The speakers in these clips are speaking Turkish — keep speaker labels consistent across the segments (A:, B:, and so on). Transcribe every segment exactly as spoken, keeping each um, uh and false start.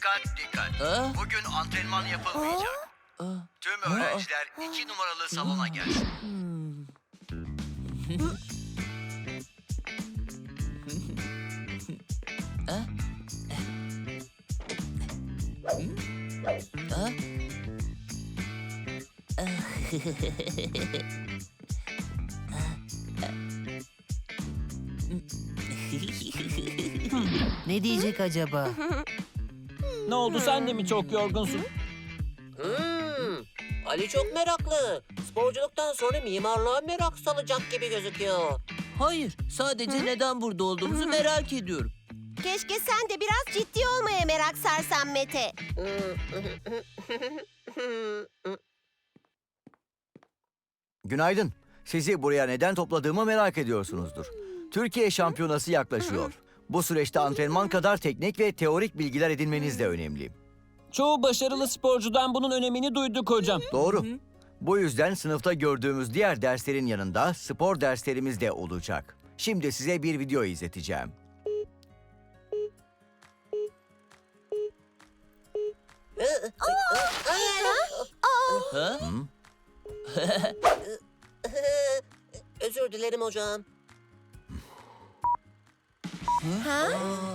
A: Dikkat dikkat.
B: Ha?
A: Bugün antrenman yapılmayacak.
B: Aa,
A: Tüm öğrenciler iki numaralı salona gelsin.
B: hmm. Ha? Ha? Ne diyecek acaba?
C: Ne oldu, sen de mi çok yorgunsun?
D: Hmm, Ali çok meraklı. Sporculuktan sonra mimarlığa merak salacak gibi gözüküyor.
B: Hayır, sadece neden burada olduğumuzu merak ediyorum.
E: Keşke sen de biraz ciddi olmaya merak sarsan Mete.
A: Günaydın. Sizi buraya neden topladığımı merak ediyorsunuzdur. Türkiye şampiyonası yaklaşıyor. Bu süreçte antrenman kadar teknik ve teorik bilgiler edinmeniz de önemli.
C: Çoğu başarılı sporcudan bunun önemini duyduk hocam.
A: Doğru. Bu yüzden sınıfta gördüğümüz diğer derslerin yanında spor derslerimiz de olacak. Şimdi size bir video izleteceğim.
B: Ha?
A: Hı?
D: Özür dilerim hocam.
E: Ha?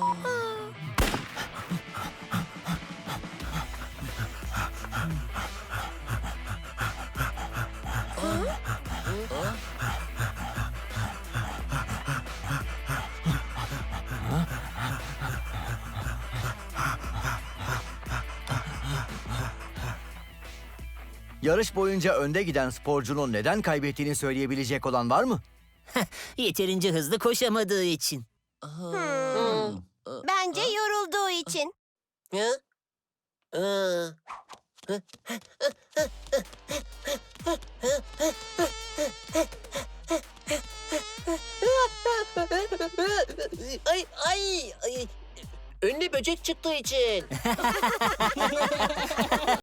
A: Yarış boyunca önde giden sporcunun neden kaybettiğini söyleyebilecek olan var mı?
F: Yeterince hızlı koşamadığı için.
E: Hmm. Bence yorulduğu için.
D: Ha? Aa. Ay ay ay. Önüne böcek çıktığı için.